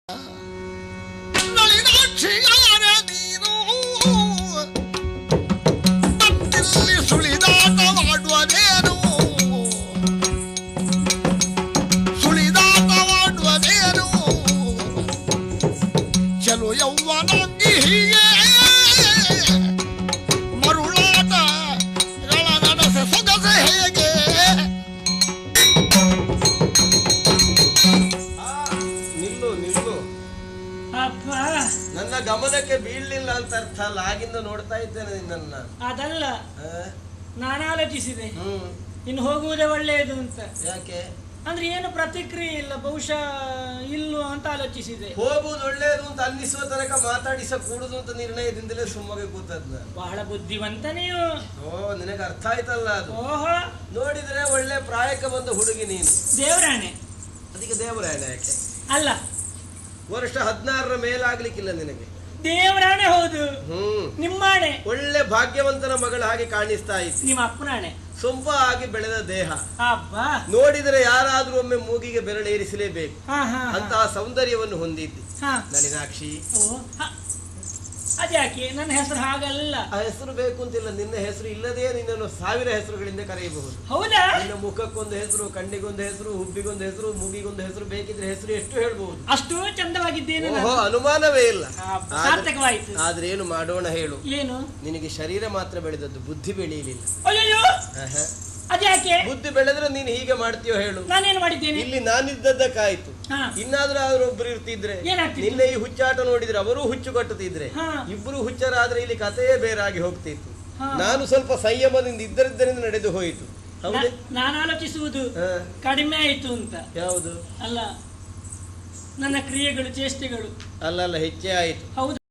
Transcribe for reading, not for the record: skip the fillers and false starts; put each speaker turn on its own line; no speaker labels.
ಸುಳಿದಾಟವಾಡುವುದೇನು ಸುಳಿದಾಟವಾಡುವುದೇನು ಚಲು ಯೌವನಂಗಿ ಹೀಗೆ ಮರುಳಾಟಗಳ ನಡೆಸ ಸೊಗಸೆ ಹೇಗೆ
ನಿಲ್ಲು ನಿಲ್ಲು
ಅಪ್ಪ
ನನ್ನ ಗಮನಕ್ಕೆ ಬೀಳಲಿಲ್ಲ ಅಂತ ಅರ್ಥ ಅಲ್ಲ, ಆಗಿಂದ ನೋಡ್ತಾ ಇದ್ದೇನೆ ನಿನ್ನನ್ನ.
ಅದಲ್ಲ, ನಾನು ಆಲೋಚಿಸಿದೆ
ಹ್ಮ್
ಇನ್ನು ಹೋಗುವುದೇ ಒಳ್ಳೆಯದು ಅಂತ.
ಯಾಕೆ
ಅಂದ್ರೆ ಏನು ಪ್ರತಿಕ್ರಿಯೆ ಇಲ್ಲ, ಬಹುಶಃ ಇಲ್ಲು ಅಂತ ಆಲೋಚಿಸಿದೆ.
ಹೋಗುವುದು ಒಳ್ಳೆಯದು ಅಂತ ಅನ್ನಿಸುವ ತನಕ ಮಾತಾಡಿಸ ಕೂಡುದು ಅಂತ ನಿರ್ಣಯದಿಂದಲೇ ಸುಮ್ಮಗೆ ಕೂತದ್ನ.
ಬಹಳ ಬುದ್ಧಿವಂತ ನೀವು.
ಓ ನಿನಗೆ ಅರ್ಥ ಆಯ್ತಲ್ಲ ಅದು.
ಓಹೋ,
ನೋಡಿದ್ರೆ ಒಳ್ಳೆ ಪ್ರಾಯಕ್ಕೆ ಬಂದ ಹುಡುಗಿ ನೀನು.
ದೇವರಾಣೆ.
ಅದಕ್ಕೆ ದೇವರಾಯಣ ಯಾಕೆ?
ಅಲ್ಲ,
ವರ್ಷ 16ರ ಮೇಲಾಗ್ಲಿಕ್ಕಿಲ್ಲ ನಿನಗೆ.
ದೇವರಾಣೆ ಹೌದು. ನಿಮ್ಮಾಣೆ.
ಒಳ್ಳೆ ಭಾಗ್ಯವಂತನ ಮಗಳ ಹಾಗೆ ಕಾಣಿಸ್ತಾ ಇತ್ತು.
ನಿಮ್ಮ ಅಪ್ಪನಾಣೆ.
ಸೊಂಪ ಆಗಿ ಬೆಳೆದ ದೇಹ
ಅಬ್ಬಾ,
ನೋಡಿದರೆ ಯಾರಾದ್ರೂ ಒಮ್ಮೆ ಮೂಗಿಗೆ ಬೆರಳೇರಿಸಲೇಬೇಕು ಅಂತಹ ಸೌಂದರ್ಯವನ್ನು ಹೊಂದಿದ್ದಿ ನಳಿನಾಕ್ಷಿ.
ಅದ್ಯಾಕೆ ನನ್ನ ಹೆಸರು ಹಾಗಲ್ಲ?
ಆ ಹೆಸರು ಬೇಕು ಅಂತಿಲ್ಲ, ನಿನ್ನ ಹೆಸರು ಇಲ್ಲದೆ ನಿನ್ನನ್ನು 1000 ಹೆಸರುಗಳಿಂದ ಕರೆಯಬಹುದು.
ಹೌದಾ?
ನಿನ್ನ ಮುಖಕ್ಕೊಂದು ಹೆಸರು, ಕಣ್ಣಿಗೊಂದು ಹೆಸರು, ಹುಬ್ಬಿಗೊಂದು ಹೆಸರು, ಮೂಗಿಗೊಂದು ಹೆಸರು, ಬೇಕಿದ್ರೆ ಹೆಸರು ಎಷ್ಟು ಹೇಳ್ಬಹುದು.
ಅಷ್ಟು ಚಂದವಾಗಿದ್ದೇನೆ.
ಓಹೋ, ಅನುಮಾನವೇ ಇಲ್ಲ.
ಸಾರ್ಥಕವಾಯಿತು.
ಆದ್ರೆ ಏನು ಮಾಡೋಣ ಹೇಳು?
ಏನು?
ನಿನಗೆ ಶರೀರ ಮಾತ್ರ ಬೆಳೆದದ್ದು, ಬುದ್ಧಿ ಬೆಳೆಯಲಿಲ್ಲ.
ಅಯ್ಯೋ, ಅದ್ಯಾಕೆ?
ಬುದ್ಧಿ ಬೆಳೆದ್ರೆ ನೀನು ಹೀಗೆ ಮಾಡ್ತೀಯೋ ಹೇಳು?
ನಾನೇನು ಮಾಡಿದ್ದೇನೆ?
ಇಲ್ಲಿ ನಾನಿದ್ದದ್ದಕ್ಕಾಯ್ತು. ಇನ್ನಾದ್ರೂ ಅವರೊಬ್ರು ಇರ್ತಿದ್ರೆ, ನಿನ್ನೆ ಈ ಹುಚ್ಚಾಟ ನೋಡಿದ್ರೆ ಅವರು ಹುಚ್ಚು ಕಟ್ಟುತ್ತಿದ್ರೆ, ಇಬ್ರು ಹುಚ್ಚರಾದ್ರೆ ಇಲ್ಲಿ ಕಥೆಯೇ ಬೇರಾಗಿ ಹೋಗ್ತಿತ್ತು. ನಾನು ಸ್ವಲ್ಪ ಸಂಯಮದಿಂದ ಇದ್ದರಿದ್ದರಿಂದ ನಡೆದು ಹೋಯಿತು. ಹೌದೇ?
ನಾನು ಆಲೋಚಿಸುವುದು ಕಡಿಮೆ ಆಯಿತು ಅಂತ.
ಯಾವುದು?
ಅಲ್ಲ, ನನ್ನ ಕ್ರಿಯೆಗಳು, ಚೇಷ್ಟೆಗಳು
ಅಲ್ಲ ಹೆಚ್ಚೇ ಆಯಿತು.
ಹೌದು.